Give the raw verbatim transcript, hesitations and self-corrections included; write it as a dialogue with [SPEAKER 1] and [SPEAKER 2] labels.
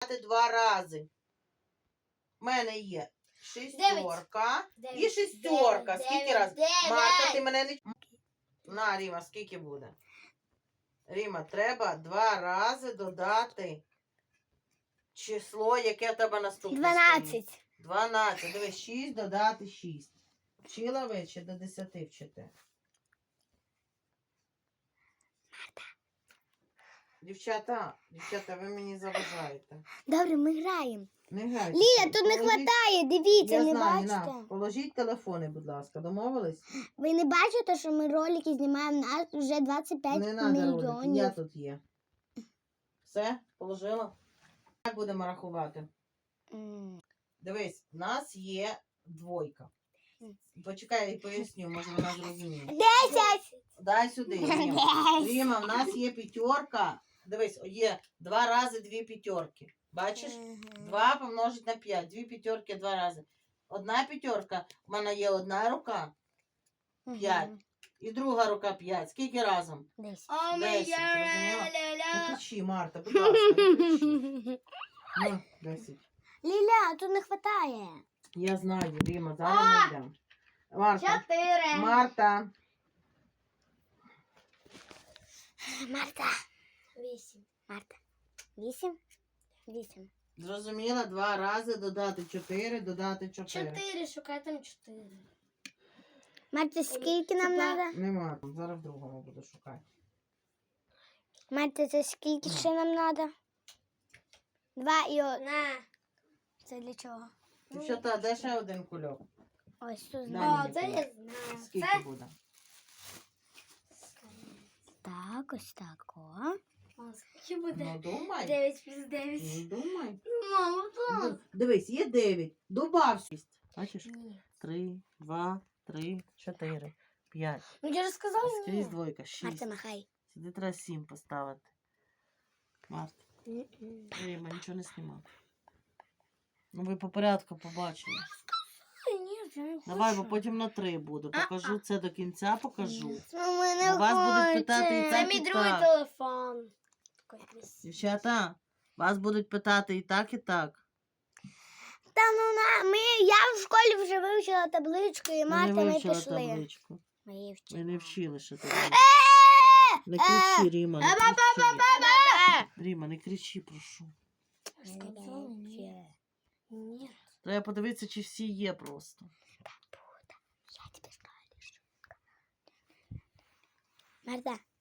[SPEAKER 1] додати два рази. У мене є шістерка і шістерка.
[SPEAKER 2] Дев'ять,
[SPEAKER 1] Скільки разів?
[SPEAKER 2] дев'ять.
[SPEAKER 1] Марта, ти мене не... На, Ріма, скільки буде? Ріма, треба два рази додати число, яке в тебе наступне.
[SPEAKER 2] Дванадцять.
[SPEAKER 1] дванадцять. Дивись, шість додати шість. Вчила ви чи до десяти вчите? Дівчата, дівчата, ви мені заважаєте.
[SPEAKER 2] Добре, ми граємо.
[SPEAKER 1] Не грайте.
[SPEAKER 2] Ліля, тут не
[SPEAKER 1] Положіть-
[SPEAKER 2] вистачає, дивіться,
[SPEAKER 1] Я
[SPEAKER 2] не
[SPEAKER 1] знаю,
[SPEAKER 2] бачите?
[SPEAKER 1] на, положіть телефони, будь ласка, домовились?
[SPEAKER 2] Ви не бачите, що ми ролики знімаємо, нас вже двадцять п'ять
[SPEAKER 1] Не треба ролики,
[SPEAKER 2] мільйонів.
[SPEAKER 1] я тут є. Все, положила? Як будемо рахувати?
[SPEAKER 2] М.
[SPEAKER 1] Дивись, в нас є двойка. Почекай, я поясню, може вона зрозуміє.
[SPEAKER 2] Десять!
[SPEAKER 1] Дай сюди, Ріма.
[SPEAKER 2] Десять!
[SPEAKER 1] Ріма, в нас є п'ятерка. Дивись, є два рази дві п'ятерки. Бачиш?
[SPEAKER 2] Мгм.
[SPEAKER 1] Два помножить на п'ять. Дві п'ятерки два рази. Одна п'ятерка, в мене є одна рука, п'ять.
[SPEAKER 2] Мгм.
[SPEAKER 1] І друга рука п'ять. Скільки разом?
[SPEAKER 2] Десять.
[SPEAKER 1] Десять, зрозуміла? Не кричи, Марта, будь ласка, не кричи. Ну, десять.
[SPEAKER 2] Ліля, тут не вистачає.
[SPEAKER 1] Я знаю, Ріма, зараз ми йдемо. Марта,
[SPEAKER 2] Чотири.
[SPEAKER 1] Марта.
[SPEAKER 2] Марта. Вісім. Марта. Вісім? Вісім.
[SPEAKER 1] Зрозуміла, два рази додати чотири, додати чотири.
[SPEAKER 3] Чотири, шукай там чотири.
[SPEAKER 2] Марта, скільки нам
[SPEAKER 3] Тепер-
[SPEAKER 2] треба?
[SPEAKER 1] Нема, там зараз в другому буду шукати.
[SPEAKER 2] Марта, це скільки ще нам треба? Два і один.
[SPEAKER 3] На.
[SPEAKER 2] Це для чого?
[SPEAKER 1] Дівчата, де ще один кульок?
[SPEAKER 2] Ось тут.
[SPEAKER 1] Дай
[SPEAKER 3] О,
[SPEAKER 1] мені
[SPEAKER 3] це
[SPEAKER 1] кульок.
[SPEAKER 3] я знаю.
[SPEAKER 1] Скільки
[SPEAKER 3] Це
[SPEAKER 1] буде?
[SPEAKER 2] Так, ось так, о.
[SPEAKER 3] О, скільки буде?
[SPEAKER 1] Ну, думай.
[SPEAKER 3] Дев'ять плюс дев'ять.
[SPEAKER 1] Ну, думай.
[SPEAKER 3] Мама, то.
[SPEAKER 1] Д- Дивись, є дев'ять. Добав шість. Бачиш?
[SPEAKER 3] Ні.
[SPEAKER 1] Три, два, три, чотири, п'ять.
[SPEAKER 3] Ну я ж сказала
[SPEAKER 1] Скрізь
[SPEAKER 3] ні.
[SPEAKER 1] двойка, шість.
[SPEAKER 2] Марта, махай.
[SPEAKER 1] Сюди треба сім поставити. Марта, Ріма, нічого не знімав. Ну, ви по порядку побачили.
[SPEAKER 3] Ой, ні, я не
[SPEAKER 1] Давай, бо
[SPEAKER 3] хочу.
[SPEAKER 1] потім на три буду. Покажу це до кінця, покажу.
[SPEAKER 2] Ну, ми не
[SPEAKER 1] Вас будуть
[SPEAKER 2] хочемо.
[SPEAKER 1] питати і
[SPEAKER 3] Це
[SPEAKER 1] так,
[SPEAKER 3] мій
[SPEAKER 1] і
[SPEAKER 3] другий
[SPEAKER 1] так.
[SPEAKER 3] телефон. Такий красивий.
[SPEAKER 1] Дівчата, вас будуть питати і так, і так.
[SPEAKER 2] Та ну на, ми, я в школі вже вивчила табличку, і
[SPEAKER 1] Ви
[SPEAKER 2] Марта,
[SPEAKER 1] не
[SPEAKER 2] ми
[SPEAKER 1] вивчила
[SPEAKER 2] пішли.
[SPEAKER 1] табличку.
[SPEAKER 2] Ми її
[SPEAKER 1] Ви
[SPEAKER 2] вчили.
[SPEAKER 1] не вчили ще
[SPEAKER 2] Е,
[SPEAKER 1] табличку. Не кричи, Ріма, не кричи. Ріма, не кричи, прошу.
[SPEAKER 3] Сказала ні. Ні.
[SPEAKER 1] Треба подивитися, чи всі є просто.
[SPEAKER 2] Я тебе скажу. Марта,